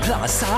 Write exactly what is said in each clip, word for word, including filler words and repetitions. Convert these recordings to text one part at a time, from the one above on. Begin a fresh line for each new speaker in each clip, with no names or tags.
ลาซ่า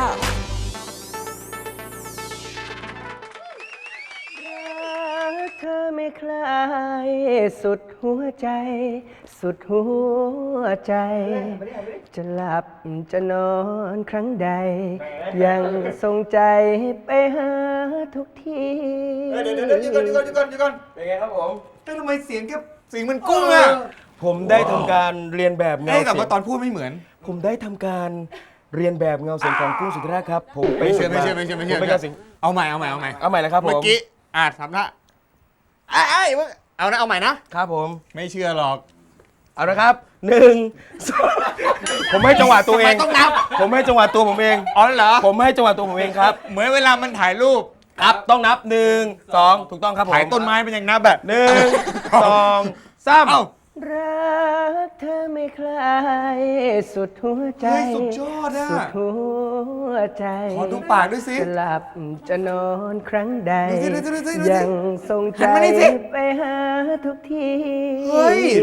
เธอไม่คลายสุดหัวใจ สุดหัวใจ จะหลับจะนอนครั้งใด ยังทรงใจไปหาทุกที
เดี๋ยวเดี๋ยวเดี๋ยวก่อนเดี๋ยวก่อนเดี๋ยวก่อนเดี๋ยวก่อนเป็นไงครับผมเฮ้ยทำไมเสียงแค่เสียงมันกุ้งอ่ะ
ผมได้ทำการเรียนแบบเงา
เอ้ยแต่
เสีย
ว่าง ตอนพูดไม่เหมือน
ผมได้ทำการเรียนแบบเงาเสียงของกุ้งสุธิราชครับ ผมไป
ไม่เชื่อ
ฝึ
ไม่
กา
เชื่อไม่เชื่อไม่เชื่อ
ผเป็นเงาเสียง
เอาใหม่เอาใหม่เอาใหม่
เอาใหม่เลยครับผม
เมื่อกี้อ่ะทำละไอ้ไอ้ยเอานะเอาใหม่นะครับ
ผม
ไม่เชื่อหรอก
เอาละครับหนึ่งสองผมให้จังหวะตัวเอง
ทำไมต้องนับ
ผมให้จังหวะตัวผมเอง
อ๋อเหรอ
ผมให้จังหวะตัวผมเองครับ
เหมือนเวลามันถ่ายรูป
ครับต้องนับหนึ่งสองถูกต้องครับผม
ถ่ายต้นไม้เป็นอย่างนับแบบ
หนึ่งสองสาม
เอ้า
รักเธอไม่คลายสุดหัวใจ
เฮ้ยสุดยอดอ่ะ
สุดหัวใจ
ขอดูปากด้วยสิ
จะหลับจะนอนครั้งใด
ดูสิดูสิดูสิดูสิ
ยังทรงใจ
หันมานี่สิ
ไปหาทุกที
เฮ้ย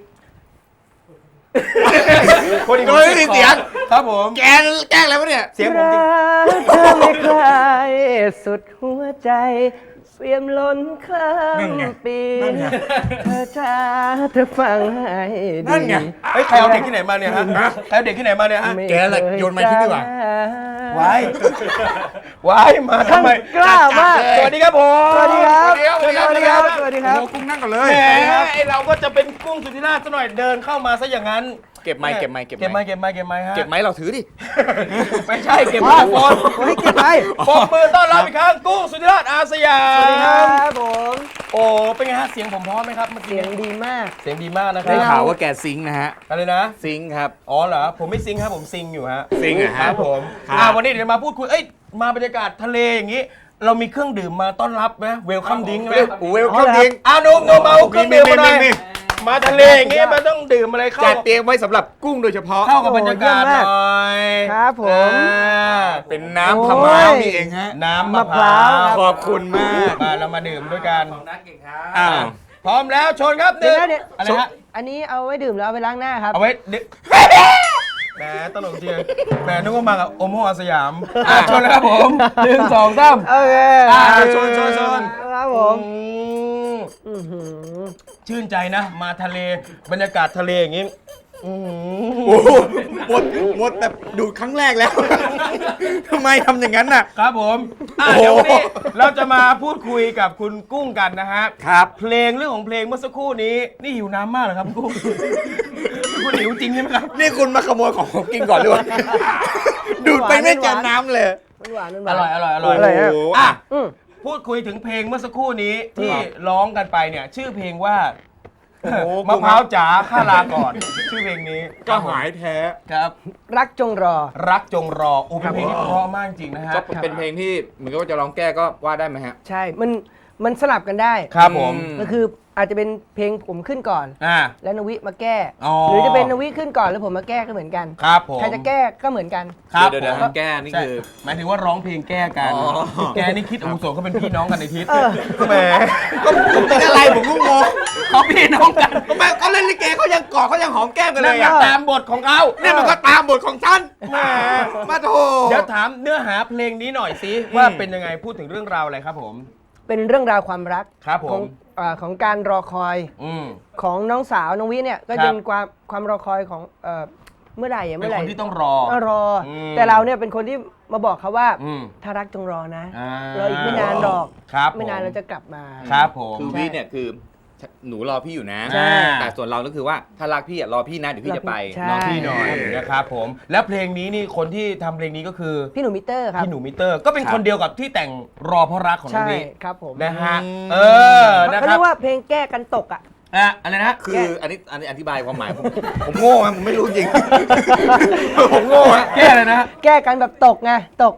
คนอีก
โดยไม่มีเสียง
ครับผม
แกแกล้งอะไรวะเนี่ย
เสียงผมจริง
รักเธอไม่คลายสุดหัวใจเปี่ยมล้นข้า
นั่นไง
มปี
นั่นไง
เธอจ้าเธอฟังให้ดี
นั่นไง
เฮ้ยใครเอาเด็กที่ไหนมาเนี่ยฮะใครเอาเด็กที่ไหนมาเนี่ยฮะ
ไม่
แกแหละโยนไม้ทิ้งดีกว่า
ไว้ไว้มาทำไม
กล้ามาก
สวัสดีครับผม
สวัสดีครับ
สวัสดีครับ
สวัสดีครับสวัสดีครับ
โอ้โหกุ้งนั่งก่อนเลย
แหมไอเราก็จะเป็นกุ้งสุธิราชซะหน่อยเดินเข้ามาซะอย่างนั้น
เก็บไม้เก็บไม้เก็บ
เก็บไม้เก็บไม้เก็บไม้ฮะ
เก็บไม้เราถือดิ
ไม่ใช่เก็บไม้โฟน
เฮ้ยเก็บไว้
ปรบมือต้อนรับอีกครั้งกุ้งสุธิราชอาสยาม
สวัสดีครับผม
โอ้เป็นไงฮะเสียงผมพร้อมไหมครับเมื่อกี้
เสียงดีมาก
เสียงดีมากนะครั
ได้
บ
ข่าวว่าแกซิงค์นะฮะ
อะไรนะ
ซิงค์ครับ
อ๋อเหรอผมไม่ซิงครับผมซิงอยู่ฮะ
ซิงค์เหรอฮะ
ครับผม
ครับ
อ่าวันนี้เดี๋ยวมาพูดคุยเอ้ยมาบรรยากาศทะเลอย่างนี้ เรามีเครื่องดื่มมาต้อนรับนะเวลคัมดิ้งไหม
เวลคัมดิ้ง
อ่าโนมโนมเอาเครื่องดื่มมาหน่อย
มีมีมี
มาทะเลอย่างงี้มันต้องดื่มอะไรเข้า
จัดเตรียมไว้สำหรับกุ้งโดยเฉพาะ
เข้ากับบรรยากาศหน่อย
ครับผม
อ่า
เป็นน้ำพะม้าวนี่เองฮะ
น้ำมะ
มะ
พ
พ
ร้า
ร้าว ว
ขอบคุณมาก
มาเรามาดื่มด้วยกัน
อ้าว
พร้อมแล้วชนครับห
เดี๋ย
นึ่
ว
ง
นะเดี๋ยว
อะไรฮะ
อันนี้เอาไว้ดื่มแล้วเอาไปล้างหน้าครับ
เอาไว้ดึแหมตลกจริงแหมนึกว่ามากับโอโมอาสยามอ่ะชนเลยครับผมหนึ่งสองสาม
โอเค
อ่ะ
ชนชนชน
ครับผม
อืม
อื้อหือ
ชื่นใจนะ มาทะเลบรรยากาศทะเลอย่างงี้อื้อหือ
โอ้โหหมดหมดแบบดูดครั้งแรกแล้ว ทำไมทำอย่างนั้นน่ะ
ครับผมอ่ะ
โอ้โห
เดี๋ยววันนี้เราจะมาพูดคุยกับคุณกุ้งกันนะฮะ
ครับ
เพลงเรื่องของเพลงเมื่อสักครู่นี้ นี่หิวน้ำมากเหรอครับคุณกุ้ง คุณหิวจริงใช่ไหมครับ
นี่คุณมาขโมยของผมกินก่อนหรือเปล่า ดูดไปไม่เจอน้ำเลย
มันหวานมันห
อ
วาน
ร่อยอร่อยอร่อย
อร่อยฮะ
โอ้โห
อ่ะ
อืม
พูดคุยถึงเพลงเมื่อสักครู่นี้ที่
ครับ
ร้องกันไปเนี่ย ชื่อเพลงว่า
โอ้โห
มะพร้าวจ๋าข้าลาก่อน ชื่อเพลงนี้
ก็หายแท้
ครับ
รักจงรอ
รักจงรอโอ้เป็นเพลงที่เพราะมากจริงนะฮะ
ก็เป็นเพลงที่เหมือนกับว่าจะร้องแก้ก็ว่าได้ไหมฮะ
ใช่ มัน มันสลับกันได้
ครับผม
อืม
ก็คืออาจจะเป็นเพลงผมขึ้นก่อน
อ่า
แล้วนวิมาแก้
อ๋อ
หรือจะเป็นนวิขึ้นก่อนแล้วผมมาแก้ก็เหมือนกัน
ครับผม
ใครจะแก้ก็เหมือนกัน
ครับ
เดี๋ยวเดี๋ยว
ผม
มันแก้นี่
ใช่
คือ
หมายถึงว่าร้องเพลงแก้กัน
อ๋อ
แกนี่คิดอาวุโสเขาเป็นพี่น้องกันในทิศ
เออ
แหม
ก็ผมเป็นอะไรผมก็งง
เขาพี่น้องกัน
ก็แม่ก็เล่นลิเกเขายังกอดเขายังหอมแก้มกันเล
นั่น
ย
ก็
อ่ะ
ตามบทของเขา
นี่มันก็ตามบทของฉัน
แหม
มาโถ
เดี๋ยวถามเนื้อหาเพลงนี้หน่อยสิว่าเป็นยังไงพูดถึงเรื่องราวอะไรครับผม
เป็นเรื่องราวความรัก
ครับผม
ของอ่าของการรอคอย
อืม
ของน้องสาวน้องวิเนี่ยก็
ครับ
เป็นความความรอคอยของเอ่อเมื่อไหร่อะ
เป็
เมื่
น
อไห
ค
ร่
นที่ต้องรอ
ก็รออ
ม
แต่เราเนี่ยเป็นคนที่มาบอกเขาว่า
อืม
ถ้ารักจงรอนะ
อ่า
เราอีกไม่นานหรอก
ครับ
ไม่นาน
ผม
เราจะกลับมา
ครับผม
คือพี่เนี่ยคือหนูรอพี่อยู่นะ
ใช่
แต่ส่วนเราก็คือว่าถ้ารักพี่อะรอพี่นะเดี๋ยวพี่จะไป
ใช่
น้องพี่หน่อยนะครับผม แล้วเพลงนี้นี่คนที่ทำเพลงนี้ก็คือ
พี่หนูมิเตอร์ครับ
พี่หนูมิเตอร์ ก็เป็น
ครับ
คนเดียวกับที่แต่งรอเพราะรักของน้อ
ใช่
งวิ
ครับผม
นะฮะ
อืม
เออนะ
เขา
ค
เรี
รับ
ยกว่าเพลงแก้กันตกอ่ะ
อ่ะอะไรนะ
คืออันนี้อันนี้อธิบายความหมายผม
ผมโง่อะผมไม่รู้จริง ผมโง่อะ
แก้เลยนะ
แก้กันแบบตกไงตก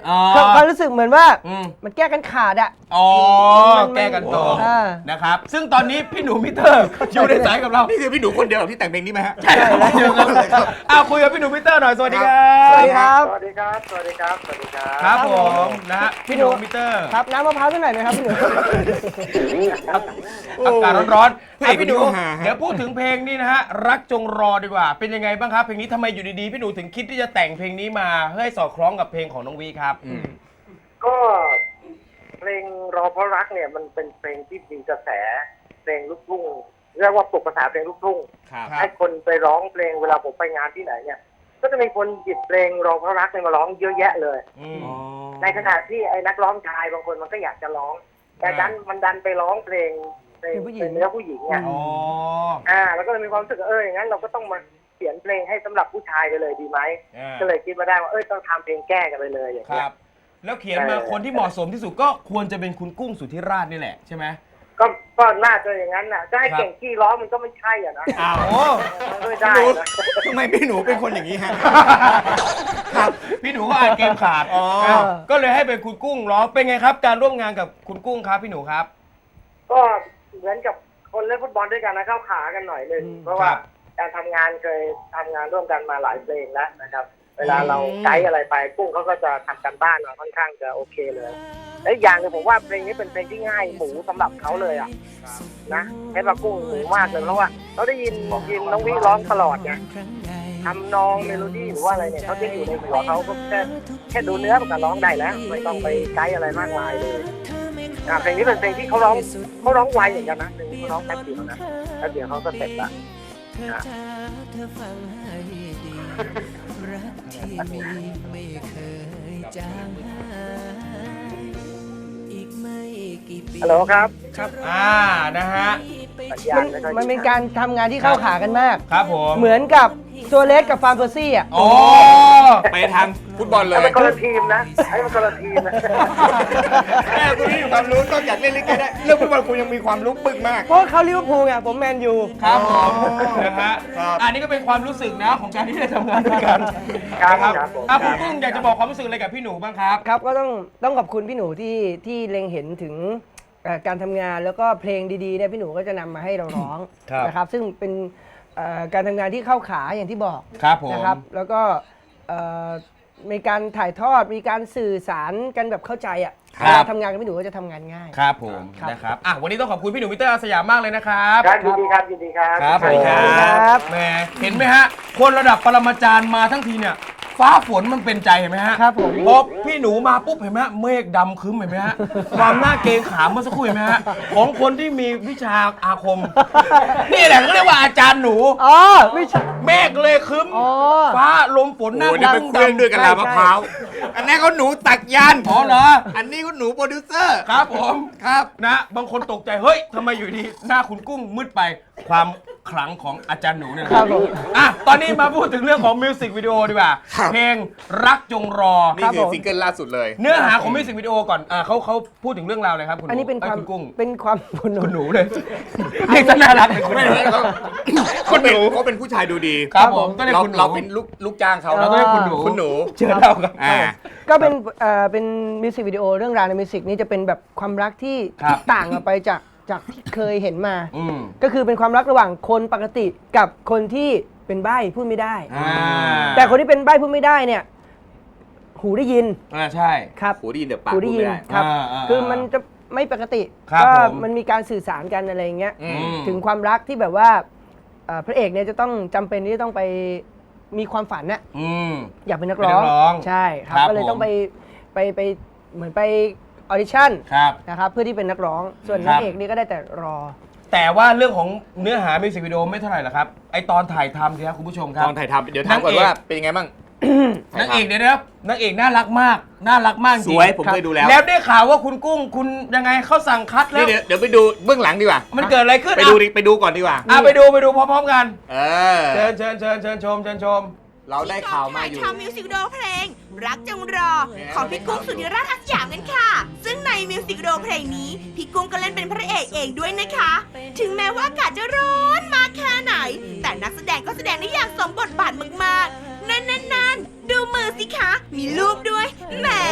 อ๋อ
ความรู้สึกเหมือนว่า
อืม
มันแก้กันขาดอะ
อ๋อ
มัน
แก้กันต่อ
อ่า
นะครับ ซึ่งตอนนี้พี่หนูมิเตอร์อยู่ในสายกับเรา
นี่คือพี่หนูคนเดียวที่แต่งเพลงนี้ไหมฮะ
ใช่แล้วเดียวกันอ้าวคุยกับพี่หนูมิเตอร์หน่อยสวัสดีครั
สวัส
บ
ดีครับ
สวัสดีครับ สวัสดีครับ สวัสดีครับ
ครับผมนะฮะ
พี่
พี่ห
หนู
นูมิเตอร์
ครับน้ำมะพร้าวสักหน่อยไหมครับพี่หนู
อากาศร้อนๆ
พระเอก
อ่ะพี่หนู
คนนี้ก็หาฮะ
เดี๋ยวพูดถึงเพลงนี้นะฮะรักจงรอดีกว่า เป็นยังไงบ้างครับเพลงนี้ทำไมอยู่ดีๆพี่หนูถึงคิดที่จะแต่งเพลงนี้มาเพื่อให้สอดคล้องกับเพลงของน้องวีครับ
ก็เพลงรอเพราะรักเนี่ยมันเป็นเพลงที่มีกระแสเพลงลูกทุ่งเรียกว่าปลุกกระแสเพลงลูกทุ่ง
ครับ
ให้คนไปร้องเพลงเวลาผมไปงานที่ไหนเนี่ย ก็จะมีคนหยิบเพลงรอเพราะรักเนี่ยมาร้องเยอะแยะเลย
อืม
ในขณะที่ไอ้นักร้องชายบางคนมันก็อยากจะร้อง แต่ดันมันดันไปร้องเพลงเพลง
เพลงผู้หญิง
เป็นเนื้อผู้หญิงเนี่ย
อ๋อ
อ่า แล้วก็เลยมีความรู้สึกว่าเอออย่างนั้นเราก็ต้องมาเขียนเพลงให้สำหรับผู้ชายไปเลยดีไหม
อ่า
ก็เลยคิดมาได้ว่าเออต้องทำเพลงแก้กันไปเลยอย่าง
ค
เงี้
รั
ย
บ แล้วเขียนมาคนที่เหมาะสมที่สุดก็ควรจะเป็นคุณกุ้งสุทธิราชนี่แหละใช่ไหม
ก็ก็น่าจะอย่างนั้นน่ะจะให้
ครับ
เก่งขี้ร้องมันก็ไม่ใช่อ่ะนะ
อ้าว
โอ้
มันไม่ได้นะ
ทำไมพี่หนูเป็นคนอย่างนี้ฮะ
ครับพี่หนูก็อ่านเกมขาด
อ๋อ
าวก็เลยให้เป็นคุณกุ้งร้องเป็นไงครับ การร่วมงานกับคุณกุ้งครับพี่หนูครับ
ก็เหมือนกับคนเล่นฟุตบอลด้วยกันนะเข้าขากันหน่อยหนึง
อืม
เพราะว่า
ครับ
การทำงานเคยทำงานร่วมกันมาหลายเพลงแล้วนะครับ เวลาเราไกด์อะไรไปกุ้งเขาก็จะทำกันบ้านมาค่อนข้างจะโอเคเลยและอีกอย่างหนึงผมว่าเพลงนี้เป็นเพลงที่ง่ายหมูสำหรับเขาเลยอ่ะนะเพชรว่ากุ้งหมูมากเลยเพราะว่าเราได้ยินยินน้องวิร้องตลอดไงทำนองเมโลดี้หรือว่าอะไรเนี่ยเขาจะอยู่ในหัวเขาก็แค่แค่ดูเนื้อมันก็ร้องได้แล้วไม่ต้องไปไกด์อะไรมากมายเลยอ่ะเพลงนี้เป็นเพลงที่เขาร้องเขาร้องไวอย่างกันนะเพลงนี้เขาร้องแป๊บเดียวนะแป๊บเดียวเขาก็เสร็จละอ่ะ
รักที่มีไม่เคยจางหายอีกไม่กี่ปี
ฮัลโหลครับ
อ่านะฮะ
สัญญา
มั
ณ
น
ไม่ค่อย
มันเป็นการทำงานที่เข้าขากันมาก
ครับผม
เหมือนกับตัวเล็กกับฟาร์มเปอร์ซี่อ่ะ
โอ้
ไปทางฟุตบอลเลย
ไอ้มันคนละทีมนะไอ้มันคนละทีมนะ
แม่คุณนี่มีความรู้นอกจากเล่นลิเกได้เรื่องฟุตบอลคุณยังมีความรู้ปึกมาก
เพราะเขาลิเวอร์พูลไงผมแมนยู
ครับผมนะฮะ
ครับ
อันนี้ก็เป็นความรู้สึกนะของการที่ได้ทำงานด้วยกัน
ครับ
นะครับ
ครับผม
อ่ะคุณกุ้งอยากจะบอกความรู้สึกอะไรกับพี่หนูบ้างครับ
ครับก็ต้องต้องขอบคุณพี่หนูที่ที่เล็งเห็นถึงเอ่อการทำงานแล้วก็เพลงดีๆเนี่ยพี่หนูก็จะนำมาให้เราร้อง
ครับ
นะครับซึ่งเป็นเอ่อการทำงานที่เข้าขาอย่างที่บอก
ครับผม
นะครับแล้วก็เอ่อมีการถ่ายทอดมีการสื่อสารกันแบบเข้าใจอ่ะ
ครับ
เวลาทำงานกับพี่หนูก็จะทำงานง่าย
ครับผม
ครับ
นะครับอ่ะวันนี้ต้องขอบคุณพี่หนูมิเตอร์อาสยามมากเลยนะครับ
ครับยินดีครับยินดีครับ
ครับ
สวัสดีครับ
แหมเห็นไหมฮะ คนระดับปรมาจารย์มาทั้งทีเนี่ยฟ้าฝนมันเป็นใจเห็นไหมฮะ
ครับผม
พอพี่หนูมาปุ๊บเห็นไหมฮะเมฆดำครึ้มเห็นไหมฮะความหน้าเกรงขามเมื่อสักครู่เห็นไหมฮะของคนที่มีวิชาอาคม นี่แหละเขาเรียกว่าอาจารย์หนู
อ๋อไม่ใช่
เมฆเลยครึ้ม
อ๋อ
ฟ้าลมฝนหน้า
โอ้นี่เป็นเครื่องด้วยกันลามะพร้าว อันนั้นเขาหนูตักยาน
อ๋อเหรอ
อันนี้เขาหนูโปรดิวเซอร์
ครับผม
ครับ
นะบางคนตกใจเฮ้ยทำไมอยู่ดีหน้าคุณกุ้งมืดไปความขลังของอาจารย์หนูเนี่ย
ครับผม
อ่ะตอนนี้มาพูดถึงเรื่องของมิวสิกวิดีโอดีกว่า
ครับ
เพลงรักจงรอ
นี่คือซิงเกิลล่าสุดเลย
เนื้อหาของมิวสิกวิดีโอก่อนอ่าเขาเขาพูดถึงเรื่องราวเลยครับคุณห
อันนี้เป็น
อ้
ความ
คุณกุ้ง
เป็นความคุณหนู
คุณหนูเลยเรียกซะน่ารักเลยคุณ
ไม่
หนู
ใช่เขาเขาเป็นเขาเป็นผู้ชายดูดี
ครับผมก็เรียก
เรา
คุณหนู
เราเป็นลูกลูกจ้างเขา
เราต้องเรียกคุณหนู
คุณหนู
เชิญเราครับ
อ่า
ก็เป็นเอ่อเป็นมิวสิกวิดีโอเรื่องราวในมิวสิกนี้จะเป็นแบบความรักที่
ครับ
ต่างออกไปจากจากที่เคยเห็นมา
อืม
ก็คือเป็นความรักระหว่างคนปกติกับคนที่เป็นใบ้พูดไม่ได้
อ่า
แต่คนที่เป็นใบ้พูดไม่ได้เนี่ย หูได้ยิน
อ่าใช่
ครับ
หูได้ยินแต่ปาก
หู
พูด
ได้ยิ
ไม่
น
ได้
ครับ
อ่าอ่า
คือมันจะไม่ปกติ
ครับ
ก็
ผม
มันมีการสื่อสารกันอะไรอย่างเงี้ย
อืม
ถึงความรักที่แบบว่าเอ่อพระเอกเนี่ยจะต้องจำเป็นที่จะต้องไปมีความฝันน่ะ
อืม
อยากเป็นนัก
เป็น
ร้
นั
อง
กร้อง
ใช่ครับ
ครับ
ก็เลย
ผม
ต้องไปไปไปเหมือนไปออดิชั่น
ครับ
นะครับเพื่อที่เป็นนักร้อง ส่วน
ครั
นัก
บ
เอกนี่ก็ได้แต่รอ
แต่ว่าเรื่องของเนื้อหามิวสิกวิดีโอไม่เท่าไหร่หรอกครับไอตอนถ่ายทำสิครับคุณผู้ชมค
ต
รับ
อนถ่ายทำเดี๋ยวถามก่อน
นางเอก
ว่าเป็นยังไงบ้าง
นางเอกเนี่ยนะครับนางเอกน่ารักมากน่ารักมากจ
ส
ริง
วยผมเคยดูแล้ว
แล้วได้ข่าวว่าคุณกุ้งคุณยังไงเขาสั่งคัดแล้
นี่
ว
เดี๋ยวเดี๋ยวไปดูเบื้องหลังดีกว่า
มันเกิดอะไรขึ้น
ไป
อ่ะ
ดูดิไปดูก่อนดีกว่า
อ่ะไปดูไปดูพร้อมๆกัน
เออ
เชิญเชิญเชิญเชิญชมเชิญชม
เราได้ข่าวมาอยู่
ทำมิวสิกวิดีโอเพลง รักจงรอ ของพี่กุ้งสุธิราชอาสยามกันค่ะ ซึ่งในมิวสิกวิดีโอเพลงนี้ พี่กุ้งก็เล่นเป็นพระเอกเองด้วยนะคะ ถึงแม้ว่าอากาศจะร้อนมากแค่ไหน แต่นักแสดงก็แสดงได้อย่างสมบทบาทมากๆ นั่นนั่นนั่นดูมือสิคะ มีรูปด้วย แหม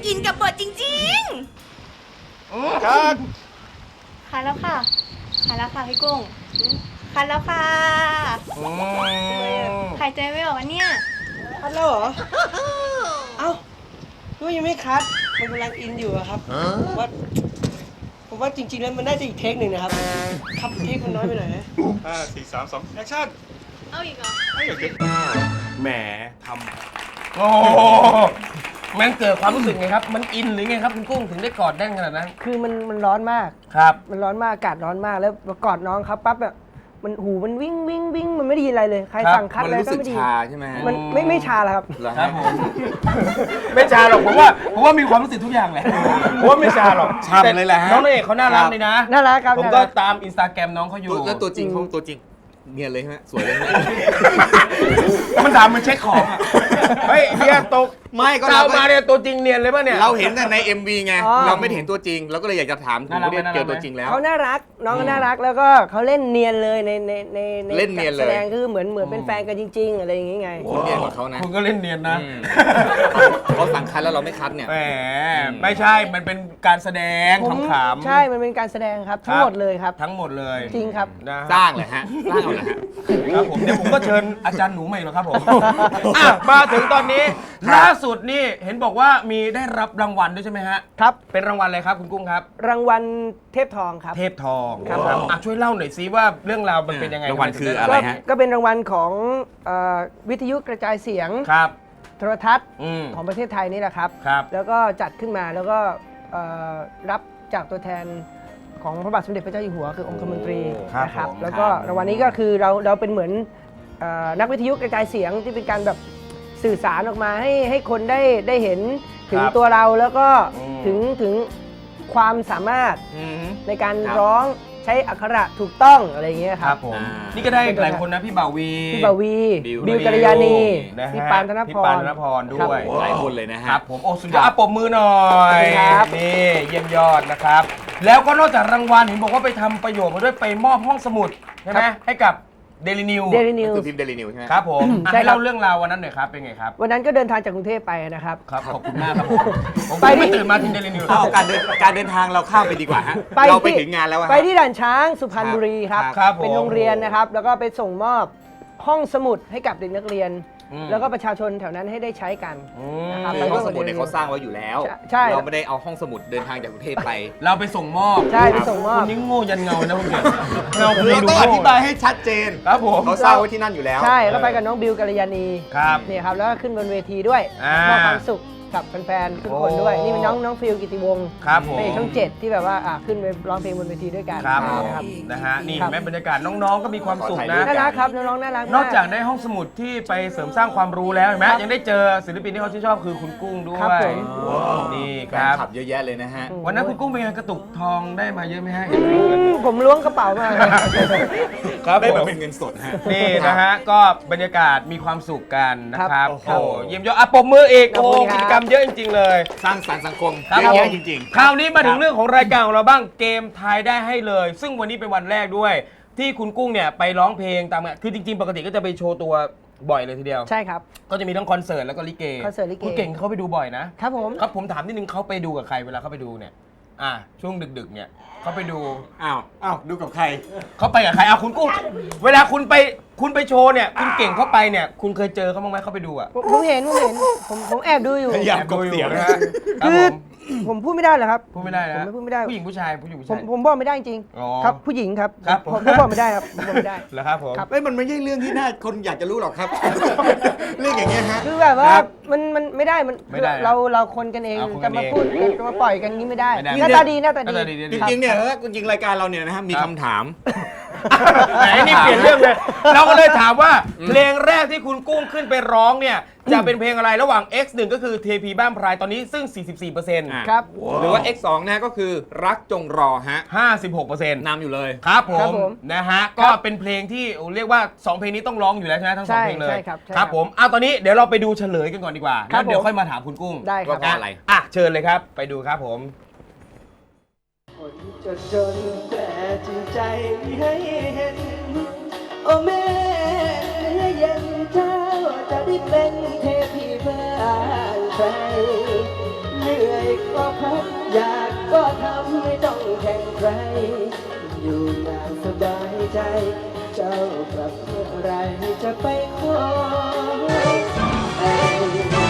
อินกับบทจริงๆ
ครับ
คันแล้วค่ะคันแล้วค่ะพี่กุ้งคันแล้วค่ะ
อืม
หายใจไม่ออกอันเนี่ย
คัดแล้วเหรอ เอ้าก็ยังไม่คัด มันกำลังอินอยู่อะครับผมว่าผมว่าจริงๆแล้วมันน่าจะอีกเทคหนึ่งนะครับ ครับเทคมันน้อยไปหน่อยนะ
ห้าสี่สามสองแอคชั่น
เอาอีกเหรอ
แหมทำโอ้แม่งเกิดความรู้สึกไงครับ มันอินหรือไงครับคุณกุ้งถึงได้กอดแน่นขนาดนั้น
คือมันมันร้อนมาก
ครับ
มันร้อนมาก อากาศร้อนมาก แล้วพอกอดน้องครับปั๊บแบบมันหูมันวิ่งวิ่งวิ่งมันไม่ได้ยินอะไรเลย ใคร
ครับ
สั่งคัด
มัน
อะไร
รู้
ก็
สึก
ไม่ได้ยิน
ชาใช่ไหมฮะ
มันไม่ไม่ชาแล้วครับ
เหรอ
ครั
ฮะ
บผม ไม่ชาหรอกผมว่าผมว่ามีความรู้สึกทุกอย่างแหละผมว่าไม่ชาหรอก
ช่ำเลยแหละฮะ
น้องนางเอกเขาน่ารักเลยนะ
น่ารักครับ
ผม
น่า
ก็
รัก
ตามอินสตาแกรมน้องเขาอยู่
แล้วตัวจริงเขาตัวจริงเนียนเลยใช่ไหมสวยเลยไหม
มันถามมันเช็คของอะเฮ้ยเฮียตก
ไม่ก็
เรา
เรา
มาเนี่ยตัวจริงเนียนเลยป่ะเนี่ย
เราเห็นแต่ใน เอ็ม วี ไง
อ๋อ
เราไม่ได้เห็นตัวจริง เราก็เลยอยากจะถามถึง
น่ารัก
เรียก
ไหม
เจอตัวจริงแล้ว
เขาน่ารัก น้องก็น่ารัก แล้วก็เขาเล่นเนียนเลยในในในใน
เล่นเนียนเลย
การแสดงคือเหมือนเหมือนเป็นแฟนกันจริง ๆ อะไรอย่างงี้ไง
คุณเนียนกว่าเขานะ
คุณก็เล่นเนียนนะ
อืมเขาสั่งคัดแล้วเราไม่คัดเนี่ย
แหมไม่ใช่ มันเป็นการแสดง
ผม
ขำๆ
ใช่ มันเป็นการแสดงครับ ทั้งหมดเลยครับ
ทั้งหมดเลย
จริงครับ
นะ
สร้างเลยฮะ สร้างเอาเลยฮะ
ครับผมเดี๋ยวผมก็เชิญอาจารย์หนูใหม่หรอกครับผมอ่ะมาถึงตอนนี้ล่าสุดนี่เห็นบอกว่ามีได้รับรางวัลด้วยใช่ไหมฮะ
ครับ
เป็นรางวัลอะไรครับคุณกุ้งครับ
รางวัลเทพทองครับ
เทพทอง
ครับ
อ่ะช่วยเล่าหน่อยซิว่าเรื่องราวมันเป็นยังไง
รางวัลคือ
ทำ
อะ
ม
ไร
ถึงด้
ฮะ
ก็เป็นรางวัลของเอ่อวิทยุกระจายเสียง
ครับ
โทรทัศน์
อืม
ของประเทศไทยนี่แหละครับ
ครับ
แล้วก็จัดขึ้นมาแล้วก็เอ่อรับจากตัวแทนของพระบาทสมเด็จพระเจ้าอยู่หัวคือองคมนตรี
ครับ
นะครับ
ผม
แล้วก็รางวัลนี้ก็คือเราเราเป็นเหมือนเอ่อนักวิทยุกระจายเสียงที่เป็นการแบบสื่อสารออกมาให้ให้คนได้ได้เห็นถึง
ครับ
ตัวเราแล้วก็
อืม
ถึงถึงความสามารถ
อืม
ในการ
ครับ
ร้องใช้อักขระถูกต้องอะไรอย่างเงี้ย
ค
ค
รั
รั
บบ ผม
อ่านี่
นี่ก็ได้หลายคนนะพี่บ่าววี
พี่บาวี
บิว
บิวกัลยาณี
นะฮะ
พี่ปานธนพ
พี่
ร
ปานธนพรด้วย
หลายคนเลยนะ
ค
ฮะ
รับผมโอ้สุดยอดอ่ะปรบมือหน่อย
ครับ
นี่เยี่ยมยอดนะครับ แล้วก็นอกจากรางวัลเห็นบอกว่าไปทำประโยชน์มาด้วยไปมอบห้องสมุดใช่ไหมให้กับเดลินิว
เดลินิว
คือพิมพ์เดลินิวใช่ไหม
ครับผมอ่ะ
ใช่
ให้
ครับ
เล่าเรื่องราววันนั้นหน่อยครับเป็นไงครับ
วันนั้นก็เดินทางจากกรุงเทพไปนะครับ
ครับขอบคุณมากครับผมผม
ไปที่
ไม่ตื่นมาถึงเดลินิว
เอาการเดินการเดินทางเราข้ามไปดีกว่าฮะ เราไปถึงงานแล้วอะ
ไป
ฮะ
ที่ด่านช้างสุพรรณบุรีครับ
ครับผม
เป็นโรงเรียนนะครับ แล้วก็ไปส่งมอบห้องสมุดให้กับเด็กนักเรียน
อืม
แล้วก็ประชาชนแถวนั้นให้ได้ใช้กัน
อื
นะครับ
ม
คือห้องสมุดเนี่ยเขาสร้างไว้อยู่แล้ว
ใช่ใช่
เราไม่ได้เอาห้องสมุดเดินทางจากกรุงเทพไป
เราไปส่งมอบ
ใช่ไปส่งมอบ
คุณนี่โง่ยันเงานะคุณเก่งเงา
เราต้องอธิบายให้ชัดเจน
ครับผม
เขาสร้างไว้ที่นั่นอยู่แล้ว
ใช่ก็ไปกับน้องบิวกัลยาณี
ครับ
เนี่ยครับแล้วก็ขึ้นบนเวทีด้วย
อ่าม
มอบความสุขกับแฟนๆทุกคนด้วย
โอ้
นี่เป็นน้องน้องฟิลกิติวงศ์
ครับผม
เป็นช่องเจ็ดที่แบบว่าอ่ะขึ้นไปร้องเพลงบนเวทีด้วยกัน
ครับ
นะครับ
นะฮะนี่
ครับ
แม่บรรยากาศน้องๆก็มีความสุขนะ
น่ารักครับน้องๆน่ารักม
นอกจากได้ห้องสมุดที่ไปเสริมสร้างความรู้แล้วเห็นไหม
ครับ
ยังได้เจอศิลปินที่เขาชื่นชอบคือคุณกุ้งด้ว
ครับ
ย
ผม
นี่
แฟ
คน รับ
คลับเยอะแยะเลยนะฮะ
วันนั้นคุณกุ้งเป็นไงกระตุกทองได้มาเยอะไหมฮะ
ผมล้วงกระเป๋ามา
ครับ
ได้
ผ
มาม เป็นเงินสดฮะ
นี่นะฮะก็บรรยากาศมีความสุขกันนะครับ
ครับ
โอ้เยี่ยมยอดอ่ะปรบมืออีก
ขอบ
โอ้
คุณครับ
กิจกรรมเยอะจริงๆเลย
สร้างสรรค์สังคม
ครับ
เยอะ
ผ
แยะ
ม
จริง
คราวนี้มาถึ
ค
ง
รับ
เรื่องของรายการของเราบ้างเกมทายได้ให้เลย ซึ่งวันนี้เป็นวันแรกด้วย ที่คุณกุ้งเนี่ยไปร้องเพลงตามงานคือจริงๆ ปกติก็จะไปโชว์ตัวบ่อยเลยทีเดียว
ใช่ครับ
ก็จะมีทั้งคอนเสิร์ตแล้วก็ลิเก
คอนเสิร์ตลิเก
คุณเก่งเขาไปดูบ่อยนะครับ
ผม
ครับผมถามนิดนึงเขาไปดูกับใครเวลาเขาไปดูเนี่ยอ่าช่วงดึกๆเนี่ยเขาไปดู
ๆ อ้าว อ้าว ดูกับใคร
เขาไปกับใครอ่ะคุณกุ้งเวลาคุณไปคุณไปโชว์เนี่ยคุณเก่งเขาไปเนี่ยคุณเคยเจอเขาบ้างไหมเขาไปดูอ่ะ
ผมผมเห็นผมเห็นผมผมแอบดูอยู่
พยายามกบเสียง
นะ
นะ
ฮะ
ฮะ
ครับ
คือ
ผม
ผมพูดไม่ได้เหรอครับ
พูดไม่ได้นะ
ผมไม่พูดไม่ได้
ผู้หญิงผู้ชายผู้หญิงผู้
ผ
ชาม ย
ผมบอกไม่ได้จริง
อ๋อ
ครับผู้หญิงครับ
ครับ
ผมผมบอกไม่ได้ครับผมบอกไม่ได้
เหรอครับผม
ครับ
เอ้ยมันไม่ใช่เรื่องที่น่าคนอยากจะรู้หรอกครับ เรื่องอย่างเงี้ยฮะ
คือแบบว่า
ครับ
มันมันไม่ได้มัน
ไม่ได้
เราเราคนกันเอง
เอาคนกั
จะ
น
มา
เอง
พูดจะมาปล่อยกันงี้ไม่ได้
ไม่ได้
หน้าตาดีหน้าตา
หน้าตาดี
ดี
จริงๆเนี่ยจริงๆรายการเราเนี่ยนะฮะมี
ครับ
คำถาม
แหมนี่เปลี่ยนเรื่องเลย เราก็เลยถามว่าเพลงแรกที่คุณกุ้งขึ้นไปร้องเนี่ยจะเป็นเพลงอะไรระหว่าง เอ็กซ์ หนึ่ง ก็คือเทพีบ้านพรายตอนนี้ซึ่ง สี่สิบสี่เปอร์เซ็นต์
อ่ะ
ครับ
หรือว่า เอ็กซ์ สอง นะฮะก็คือรักจงรอฮะ
ห้าสิบหกเปอร์เซ็นต์
นำอยู่เลย
ครับผ
ครั
ม
บผม
นะฮะก็เป็นเพลงที่เรียกว่าสองเพลงนี้ต้องร้องอยู่แล้วใช่ไหมทั้งสอง
ใช่
เพลงเลย
ใช่ครับใช่
ครับผมเอาตอนนี้เดี๋ยวเราไปดูเฉลยกันก่อนดีกว่า
ครั
แล้
บ
วเดี๋ยว
ผม
ค่อยมาถามคุณกุ้ง
ได้ครับ
ว่าเพราะอะไร
อ่ะเชิญเลยครับ ไปดูครับผม
คนจนจนแต่จริงใจให้เห็น โอ้แม่เนื้อเย็นเจ้าจะได้เป็นเทพีบ้านใครลเหนื่อยก็พักอยากก็ทำไม่ต้องแข่งใคร อยู่อย่างสบายใจ เจ้ากลับเมื่อไรจะไปขอแต่ง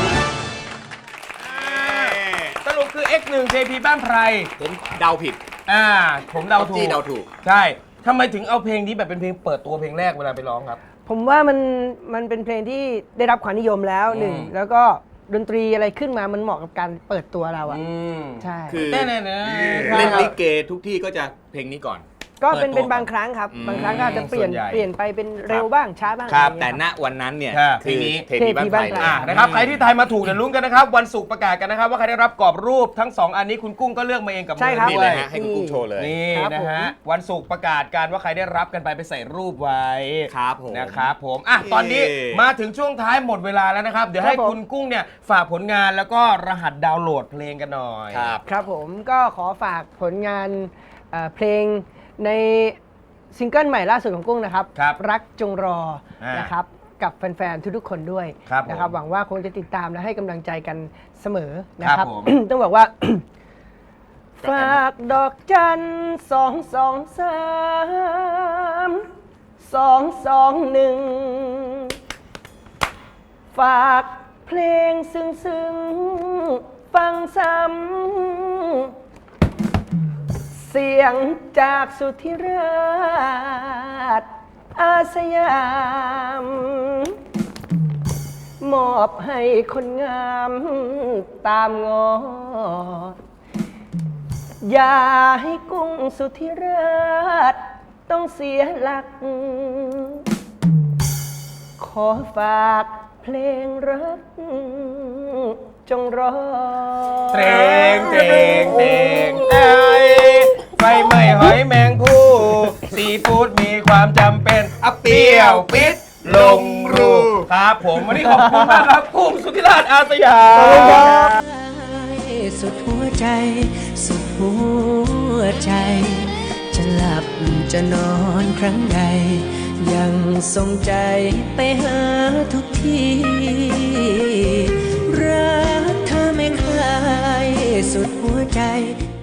สรุปคือ เอ็กซ์ หนึ่ง เท พี บ้านไพร
ผมเดาผิด
อ่า ผมเดาถู
จี้
ก
เดาถูก
ใช่ทำไมถึงเอาเพลงนี้แบบเป็นเพลงเปิดตัวเพลงแรกเวลาไปร้องครับ
ผมว่ามันมันเป็นเพลงที่ได้รับความนิยมแล้วหนึ่ง
อืม
แล้วก็ดนตรีอะไรขึ้นมามันเหมาะกับการเปิดตัวเราอะ
อืม
ใช่
คือ
แน่ๆนะ
เล่นลิเกทุกที่ก็จะเพลงนี้ก่อน
ก็เป็น
เปิดตัว
เป็นบางครั้งครับ
อืม
บางครั้งก็อาจจะเปลี่ยน
ส่วนใหญ่
เปลี่ยนไปเป็นเร็วบ้างช้าบ้าง
ครับ
อะไร
แต่
อย่าง
ณ
เงี้ย
วันนั้นเนี่ย
ค่ะ
คือ
เพลงนี้
เทพีบ้านไผ่
เทพีบ้านไผ่
อ่านะครับใครที่ทายมาถูกเดี๋ยวลุ้นกันนะครับ วันศุกร์ประกาศกันนะครับ ว่าใครได้รับกรอบรูปทั้งสองอันนี้คุณกุ้งก็เลือกมาเองกับมื
ใช่
อ
ครับ
นี่
ด้
เล
วย ย
ฮะให้คุณกุ้งโชว์เลย
นี่
ครับ
นะ
ผม
ฮะวันศุกร์ประกาศการว่าใครได้รับกันไปไปใส่รูปไว้
ครับผม
นะครับผมอ่ะตอนนี้
เย้
มาถึงช่วงท้ายหมดเวลาแล้วนะครับ เดี๋ยวให้
ครับผม
คุณกุ้งเนี่ยฝากผลงานแล้วก็รหัสดาวน์โหลดเพลงกันหน่อย
ครับ
ครับผมก็ขอฝากผลงานเอ่อเพลงในซิงเกิลใหม่ล่าสุดของกุ้งนะครับ
ครับ
รักจงรอ
อ่าน
นะครับกับแฟนๆทุกๆคนด้วย
ครับผม
นะครับหวังว่าคงจะติดตามและให้กำลังใจกันเสมอนะค
ครั
รั
บบ ผม
ต้องบอกว่า ฝากดอกจันสองสองสามสองสองหนึ่งฝากเพลงซึ้งซึ้งๆฟังซ้ำเสียงจากสุธิราชอาสยาม มอบให้คนงามตามงอ อย่าให้กุ้งสุธิราชต้องเสียหลัก ขอฝากเพลงรักจงรอ
เตรงเตรงเตรงไอไฟไหม้หอยแมงผู้ซีฟู้ดมีความจำเป็นอัเปรี้ยวปิดลงรูครับผมวันนี้ขอบคุณมากครับกุ้งสุธิราชอาสยาม
สุดหัวใจ สุดหัวใจ จะหลับจะนอนครั้งใด ยังทรงใจไปหาทุกทีรักเธอไม่คลายสุดหัวใจ